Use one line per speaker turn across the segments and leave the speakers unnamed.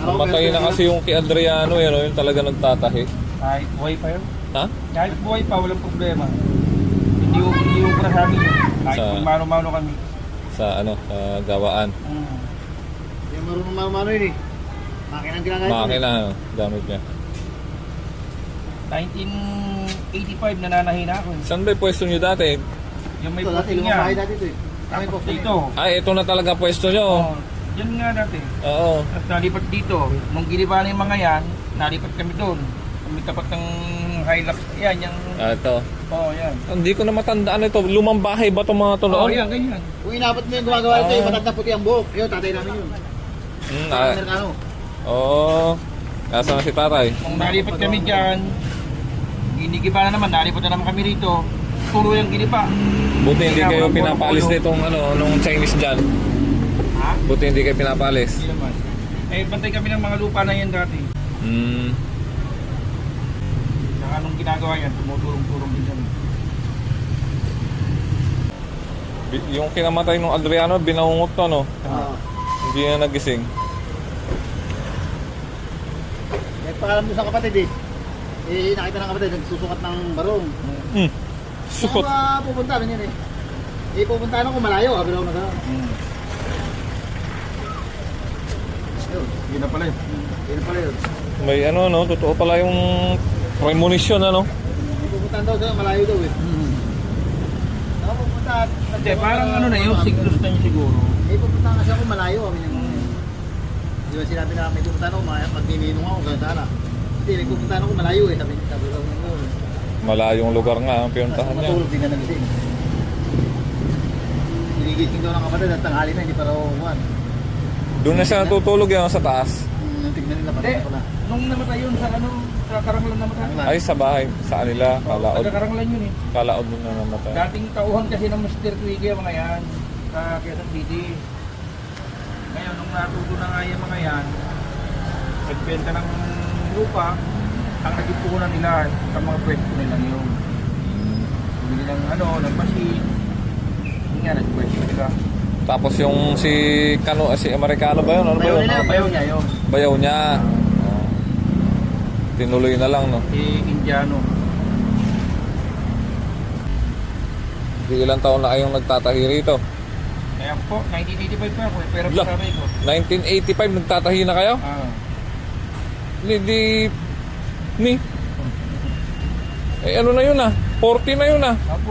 Namatay na kasi yung kay Adriano, yun, yung talaga nagtatahi.
Kahit buhay pa yun.
Ha?
Kahit buhay pa, walang problema. Hindi ubra sa amin yun. Kahit
Sa-
kung mano-mano kami.
Sa ano, sa gawaan.
Yung marunong yun eh. Makina ang ginagamit.
Makina, ano, gamit niya.
1985 nananahin ako.
Saan ba yung pwesto nyo dati?
Yung may
Ito dati,
puting
lumang bahay
niya.
dati ito eh. Kami po.
Tapos dito.
Ay, ito na talaga pwesto nyo.
Oh, yan nga dati.
Oo.
Tapos nalipat dito. Nung giniba na yung mga yan, nalipat kami doon. Kami tapat ng Hilux. Yan, yung...
Ito.
Oh, yan.
Hindi ko na matandaan ito. Lumang bahay ba itong mga to
Oh,
noon?
yan, ganyan.
Kung inabot mo yung gumagawa ito, yung matanda puti ang buhok. Yun, tatay namin yun. Amerikano.
Oo. Nasaan na si tatay?
Kung nalipat kami dyan, ginigiba na naman, nalipat na naman kami rito. Puro yung giniba.
Buti hindi
Kaya
kayo
walang
pinapalis
polo-polo.
nitong ano, nung Chinese dyan.
Ha?
Buti hindi kayo pinapalis.
Hindi naman. Eh, bantay kami ng mga lupa na yan dati.
Hmm.
Saka nung ginagawa yan, tumutulong-tulong din kami.
Yung kinamatay nung Adriano, binaungot to, no?
Oo.
Hindi na nagising.
May paalam doon sa kapatid eh. Eh, nakita ng kapatid, nagsusukat ng barong.
Hmm. Sukot.
Saan pupunta rin yun eh. Eh, pupunta ako malayo, sabi ako na gano'n. Yun,
Yun na pala yun.
yun pala yun.
May ano, no? Totoo pala yung premonition, ano?
Eh, pupuntahan daw sa malayo daw eh. Ako pupunta at...
Hindi, parang ano na yun, signals na yun siguro.
Eh, pupunta kasi ako malayo, kami yung... Di ba sinabi na may pupuntahan ako, magnininong ako, gano'n sana. Hindi, may pupuntahan ako malayo eh, sabi daw ng
Malayong lugar nga ang pinuntahan niya.
matulog din na nagising. Ginigising daw ng kapatid at tanghali na, hindi pa raw umuwan.
Doon na siya natutulog yan sa taas.
Tignan nila,
Hindi,
patay na pala.
nung namatay yun sa ano, sa Karanglan namatay.
Ay, sa bahay. Sa kanila. Kalaod.
Taga Karanglan yun eh.
Kalaod doon na namatay.
Dating tauhan kasi ng Mr. Twiggy ang mga yan sa Quezon City. Ngayon, nung natuto na nga yung mga yan, nagbenta ng lupa, ang naging puhunan nila sa mga pwesto nila yun. Bumili ng ano, ng machine. Yun nga, nagpwesto nila.
Tapos yung si Amerikano ba yun? Ano ba yun?
Bayaw niya yun.
Bayaw niya. Oh. Tinuloy na lang, no?
Si Indiano.
Di ilang taon na kayong nagtatahi rito?
Kaya po, 1985 pa ako eh. Pero
Lah.
sabi ko.
1985 nagtatahi na kayo? Ni. Eh ano na yun ah? 40 na yun ah.
Ako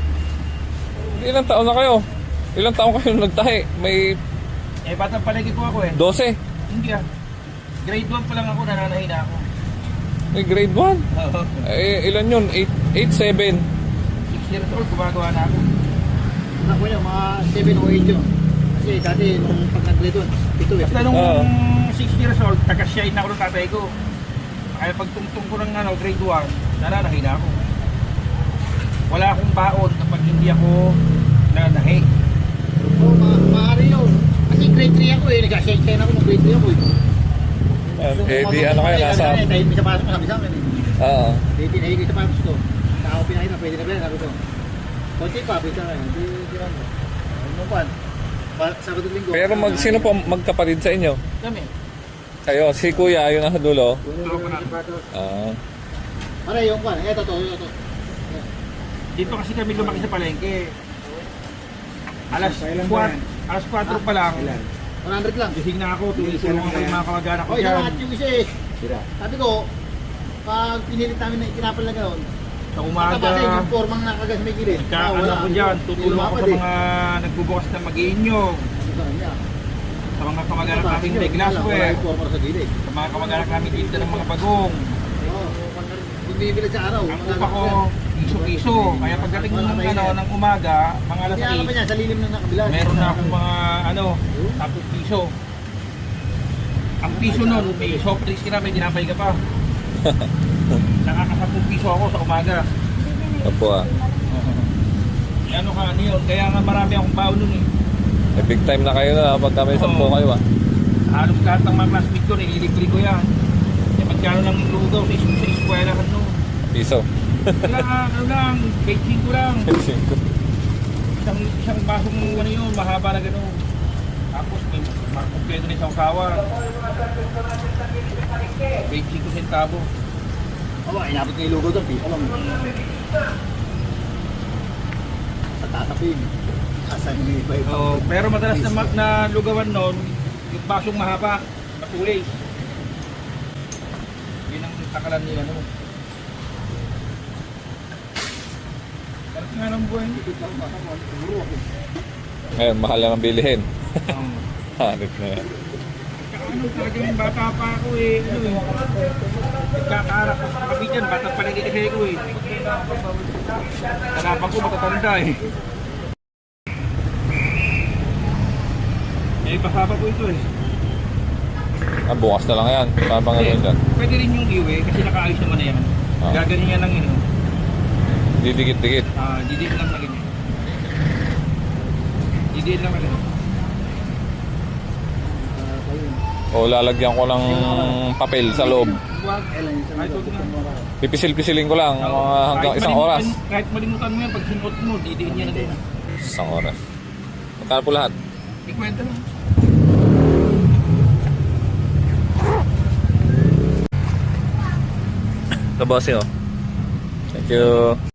Ilang taon na kayo? Ilang taon kayo nagtahi? May
batang palagi po ako eh.
12?
Hindi Grade 1 pa lang ako, nananahin na ako.
May grade 1?
Oo.
Eh ilan yun? 8, 7?
6 years old, gumagawa na ako.
Ako yun, mga 7 o 8 yun. Kasi dati nung pag nag-grade 1, ito eh.
Basta nung
Oo.
6 years old, taga-shine na ako ng tatay ko. Kaya pagtungtong ko ng grade 1, nananahin na ako. Wala akong baon kapag hindi ako nananahi.
Oo, maaari yun. Kasi grade 3 ako eh, nag-shine ako nung grade 3 ako eh.
Eh di ano kayo nasa...
Dahil may sa pasok ko, sabi sa akin eh.
Oo.
Dahil tinahig ko sa pasok ko. Saka ako pinahig na, pwede na pala, sabi ko. Konti pa, pwede na, hindi lang. Nung pan, Sabado Linggo.
Pero sino po magkapatid sa inyo?
Kami.
Kayo, si Kuya, yun nasa dulo.
Tulog ko na.
Ah.
Para yung pan, eto to, ito.
Dito kasi kami lumaki sa palengke. Alas 4 pa lang.
100 lang.
Gising na ako, tulong ako yung mga kamag-anak ko
Oh, isa
dyan.
lahat yung isa eh. Sabi ko, pag pinilit namin na ikinapal na gano'n,
Sa
Mataba
umaga,
yung formang nakagas may gilid.
ano ko dyan, tutulong ako sa mga nagbubukas ng mag-iinyog. Sa mga kamag-anak namin may glassware.
Wala yung forma sa gilid.
Sa mga kamag-anak namin dito ng mga bagong.
Oo. Kung bibili sa araw.
Ang upa ko, piso-piso. Kaya pagdating ng umaga, mga alas
Kaya pa niya, sa lilim ng nakabila.
8, meron na akong mga 10 piso. Ang piso nun, may soft drinks ka na, may dinapay ka pa. Nakaka-10 piso ako sa umaga.
Opo ah.
Ano ka, ano yun? Kaya nga marami akong baon nun eh.
Eh, big time na kayo na pag kami 10
Oo.
kayo ah.
Halos lahat ng mga classmate ko, nililibre ko yan. Kaya magkano lang lugaw sa eskwelahan no.
Piso.
Kaya ano lang, 25 lang. Isang basong ano yun, mahaba na gano'n. Tapos may Kompleto na isang kawa. 25 centavo.
Oo, inabot ko yung logo doon. Piso lang. Sa tatapin. Asan yung iba iba.
Oh, pero madalas na lugawan noon, yung basong mahaba, matulay. Yun ang takalan nila no. Parang nga ng buhay nito.
Ngayon, mahal lang ang bilihin.
Um,
Hanip na yan.
ano talaga yung bata pa ako eh. Ano eh. Nagkakaarap ako sa kabitan, bata pa naging kasi ko eh. Tanapan ko matatanda eh. Eh, pasaba po ito eh.
Bukas na lang yan. Papang ano dyan.
Pwede rin yung iwi kasi nakaayos naman na yan.
Ah.
Gaganin yan lang yun.
Didikit-dikit.
Didiin lang na ganyan. Didiin lang na ganyan.
O lalagyan ko ng papel sa loob.
Huwag. Kahit huwag na.
Pipisil-pisilin ko lang mga hanggang
Kahit
isang
malimutan-
oras.
Kahit malimutan mo yan, pag sinot mo, didiin yan na din.
Isang oras. Magkano po lahat?
Ikwenta lang.
Ito boss oh. Thank you.